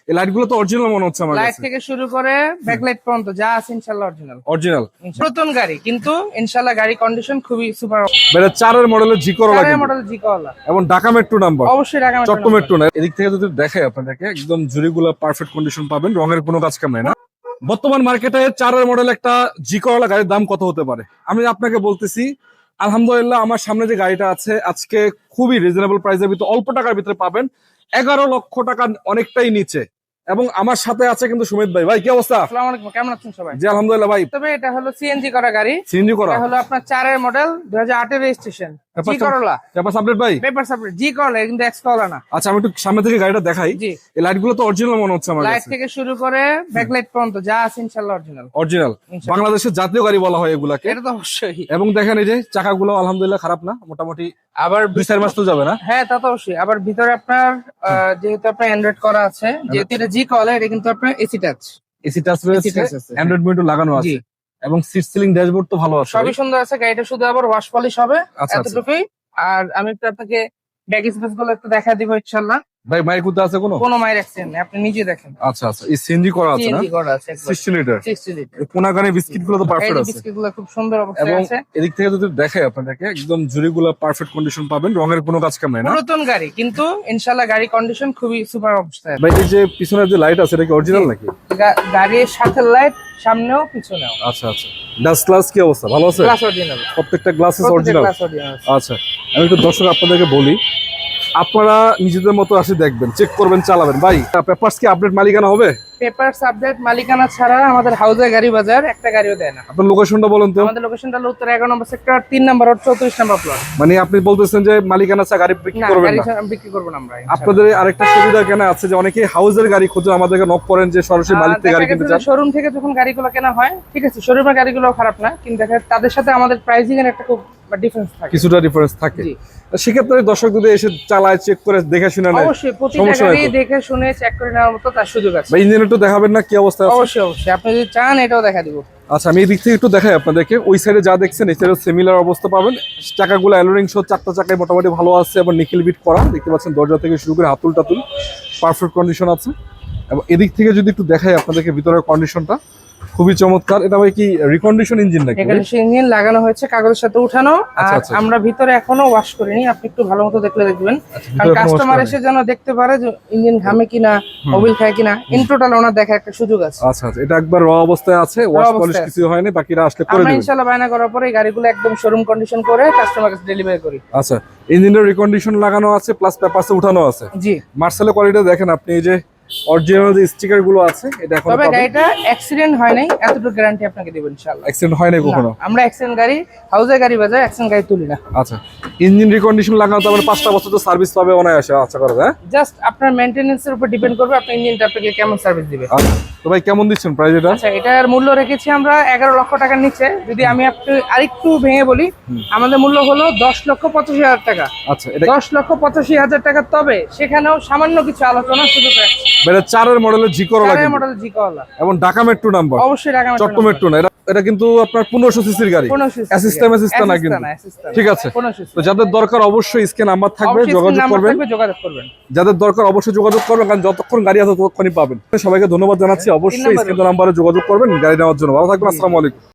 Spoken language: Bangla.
এই লাইট গুলো তো অরিজিনাল মনে হচ্ছে আমার লাইট কাছে। থেকে শুরু করে ব্যাকলাইট পর্যন্ত যা আছে ইনশাআল্লাহ অরিজিনাল। অরিজিনাল নতুন গাড়ি কিন্তু ইনশাআল্লাহ গাড়ি কন্ডিশন খুবই সুপার। এটা 4 এর মডেলের জি করলা চারের মডেল জি করলা, এবং ঢাকা মেট্রো নাম্বার, অবশ্যই ঢাকা মেট্রো চট্টগ্রাম মেট্রো না। এদিক থেকে যদি দেখাই আপনাদেরকে একদম জুড়িগুলো পারফেক্ট কন্ডিশন পাবেন, রঙের কোনো কাজ কাম নাই না। বর্তমান মার্কেটে 4 এর মডেল একটা জি করলা গাড়ির দাম কত হতে পারে আমি আপনাকে বলতেছি। আলহামদুলিল্লাহ আমার সামনে যে গাড়িটা আছে আজকে খুবই রিজনেবল প্রাইসের ভিতরে অল্প টাকার ভিতরে পাবেন, 11 লক্ষ টাকা অনেকটাই নিচে। এবং আমার সাথে আছে কিন্তু সুমিত ভাই। ভাই কি অবস্থা? আসসালামু আলাইকুম, কেমন আছেন সবাই? জি আলহামদুলিল্লাহ ভাই। তবে এটা হলো সিএনজি করা গাড়ি, সিএনজি করা, এটা হলো আপনার 4 এর মডেল 2008 এর রেজিস্ট্রেশন জি করলা। পেপারস আপডেট ভাই, পেপারস আপডেট জি করলা, কিন্তু এক্স করলা না। আচ্ছা আমি একটু সামনে থেকে গাড়িটা দেখাই। জি, এই লাইট গুলো তো অরিজিনাল মনে হচ্ছে আমার লাইট কাছে। থেকে শুরু করে ব্যাকলাইট পর্যন্ত যা আছে ইনশাআল্লাহ অরিজিনাল। অরিজিনাল বাংলাদেশের জাতীয় গাড়ি বলা হয় এগুলাকে। এটা তো অবশ্যই। এবং দেখেন এই যে চাকাগুলো আলহামদুলিল্লাহ খারাপ না, মোটামুটি আবার 2-4 মাস তো যাবে না। হ্যাঁ তা তো অবশ্যই। আবার ভিতরে আপনার যেহেতু আপনার অ্যান্ড্রয়েড করা আছে, যেহেতু এটা জি কলা, এটা কিন্তু আপনার এসি টাচ। এসি টাচ রয়েছে, touch আছে। অ্যান্ড্রয়েড মিটার লাগানো আছে জি। এবং সিট সিলিং ড্যাশবোর্ড তো ভালো আছে। সবই সুন্দর আছে, গাড়িটা শুধু আবার ওয়াশ পলিশ হবে আচ্ছা, এতটুকুই। আর আমি একটু আপনাকে ব্যাক স্পেস গুলো একটু দেখা দিব ইনশাআল্লাহ। ভাই মাইক কুদা আছে কোনো মায়ের অ্যাক্সিডেন্ট নেই, আপনি নিজে দেখেন। আচ্ছা আচ্ছা, এই সিএনজি করা আছে না, সিএনজি করা আছে 60 লিটার। 60 লিটার। এই কোনাগানে বিস্কিট গুলো তো পারফেক্ট আছে বিস্কিট গুলো খুব সুন্দর এবং অবস্থায় আছে। এদিক থেকে যদি দেখাই আপনাদেরকে একদম জুড়িগুলো পারফেক্ট কন্ডিশন পাবেন, রঙের কোনো কাজ কাম নাই না। নতুন গাড়ি কিন্তু ইনশাআল্লাহ গাড়ি কন্ডিশন খুবই সুপার অবস্থায় আছে। ভাই এই যে পিছনের যে লাইট আছে এটা কি অরিজিনাল নাকি? গাড়ির সাথে লাইট সামনেও পিছনেও। আচ্ছা আচ্ছা, ডাস্ট গ্লাস কি অবস্থা, ভালো আছে? গ্লাস অরিজিনাল, প্রত্যেকটা গ্লাসেস অরিজিনাল। Glass original. আচ্ছা আমি একটু দর্শক আপনাদেরকে বলি, আপনারা নিজেদের মতো আসে দেখবেন, চেক করবেন, চালাবেন। ভাই পেপারস কি আপডেট মালিকানা হবে? পেপারস আপডেট মালিকানা ছাড়া আমাদের হাউজে গাড়ি বাজার একটা গাড়িও দেয় না। আপনার লোকেশনটা বলেন তো। আমাদের লোকেশনটা হলো উত্তর 11 নম্বর সেক্টর 3 নম্বর রোড 34 নম্বর প্লট। মানে আপনি বলতেছেন যে মালিকানা ছাড়া গাড়ি বিক্রি না, করবেন গাড়ি না? বিক্রি করব না আমরা ইনশাআল্লাহ। আপনাদের আরেকটা সুবিধা কেন আছে যে অনেকেই হাউজের গাড়ি খুঁজে আমাদেরকে নক করেন যে সরাসরি মালিক থেকে গাড়ি কিনতে চান। শোরুম থেকে যখন গাড়িগুলো কেনা হয়, ঠিক আছে, শোরুমের গাড়িগুলো খারাপ না, কিন্তু দেখা যায় তাদের সাথে আমাদের প্রাইসিং এর একটা খুব ডিফারেন্স থাকে। কিছুটা ডিফারেন্স থাকে। জি। সেক্ষেত্রে দর্শক যদি এসে চালায়, চেক করে দেখে শুনে নেয়, অবশ্যই প্রতিটা সমস্যা নাই গাড়ি তো? দেখে শুনে চেক করে নেওয়ার মতো তার সুযোগ আছে। বা ইঞ্জিন একটু দেখাবেন না কি অবস্থা আছে? অবশ্যই অবশ্যই, আপনি যদি চান এটাও দেখা দিব। আচ্ছা আমি এই দিক থেকে একটু দেখাই আপনাদেরকে। ওই সাইডে যা দেখছেন এই সাইডে সিমিলার অবস্থা পাবেন। চাকাগুলো অ্যালোরিং সহ 4টা চাকায় মোটামুটি ভালো আছে এবং নিকেল বিট করা, দেখতে পাচ্ছেন দরজা থেকে শুরু করে হাতুল টাতুল পারফেক্ট কন্ডিশন আছে। এবং এদিক থেকে যদি একটু দেখাই আপনাদেরকে ভিতরের কন্ডিশনটা খুবই চমৎকার। এটা ভাই কি রিকন্ডিশন ইঞ্জিন নাকি? এখানে ইঞ্জিন লাগানো হয়েছে, কাগজের সাথে উঠানো। আচ্ছা, আর আচ্ছা। আমরা ভিতরে এখনো ওয়াশ করিনি, আপনি একটু ভালো মতো দেখলে দেখবেন। আচ্ছা, কারণ ভিতরে এখনো wash কাস্টমার করেনি। এসে যেন দেখতে পারে যে ইঞ্জিন ঘামে কিনা, মোবিল খায় কিনা, ইন টোটাল ওনার দেখার একটা সুযোগ আছে। আচ্ছা আচ্ছা, এটা একবার র অবস্থায় আছে, ওয়াশ পলিশ অবস্থায় কিছু হয়নি, বাকিরা আসলে করে আমরা দিবেন। ইনশাআল্লাহ বায়না করার পরে এই গাড়িগুলো একদম শোরুম কন্ডিশন করে কাস্টমার কাছে ডেলিভারি করি। আচ্ছা ইঞ্জিনের রিকন্ডিশন লাগানো আছে প্লাস পেপারসে উঠানো আছে। জি। মার্সেলের কোয়ালিটি দেখেন আপনি, এই যে অরিজিনাল যে স্টিকার গুলো আছে এটা এখন তবে গাড়িটা অ্যাক্সিডেন্ট হয় নাই, এতটুকু গ্যারান্টি আপনাকে দেব ইনশাআল্লাহ। অ্যাক্সিডেন্ট হয় না কখনো? না, আমরা অ্যাক্সিডেন্ট গাড়ি হাউজে গাড়ি বাজার অ্যাক্সিডেন্ট গাড়ি তুলি না। আচ্ছা ইঞ্জিন রিকন্ডিশন লাগানো তো মানে 5টা বছর তো সার্ভিস পাবে অনায়াসে আশা করা যায়। জাস্ট আপনার মেইনটেনেন্স এর উপর ডিপেন্ড করবে আপনার ইঞ্জিনটা আপনাকে কেমন সার্ভিস দিবে। আচ্ছা তো ভাই কেমন দিচ্ছেন প্রাইস এটা? আচ্ছা এটার মূল্য রেখেছি আমরা 11 লক্ষ টাকার নিচে। যদি আমি আপনি আরেকটু ভেঙে বলি, আমাদের মূল্য হলো 10,85,000 টাকা। আচ্ছা এটা 10,85,000 টাকা। তবে সেখানেও সামান্য কিছু আলোচনা সুযোগ রাখছি। এটা 4 এর মডেলের জি করলা চারের মডেল জি করলা, এবং ঢাকা মেট্রো নাম্বার, অবশ্যই ঢাকা মেট্রো চট্টগ্রাম মেট্রো না। এটা কিন্তু আপনার 1500 সিসির গাড়ি, অ্যাসিস্ট্যান্ট না কিন্তু। ঠিক আছে, তো যাদের দরকার অবশ্যই স্ক্রিনে নাম্বার থাকবে, যোগাযোগ করবেন। যাদের দরকার অবশ্যই যোগাযোগ করবেন, কারণ যতক্ষণ গাড়ি আছে ততক্ষণই পাবেন। সবাইকে ধন্যবাদ জানাচ্ছি, অবশ্যই স্ক্রিনে নাম্বারে যোগাযোগ করবেন গাড়ি নেওয়ার জন্য। ভালো থাকবেন, আসসালামু আলাইকুম।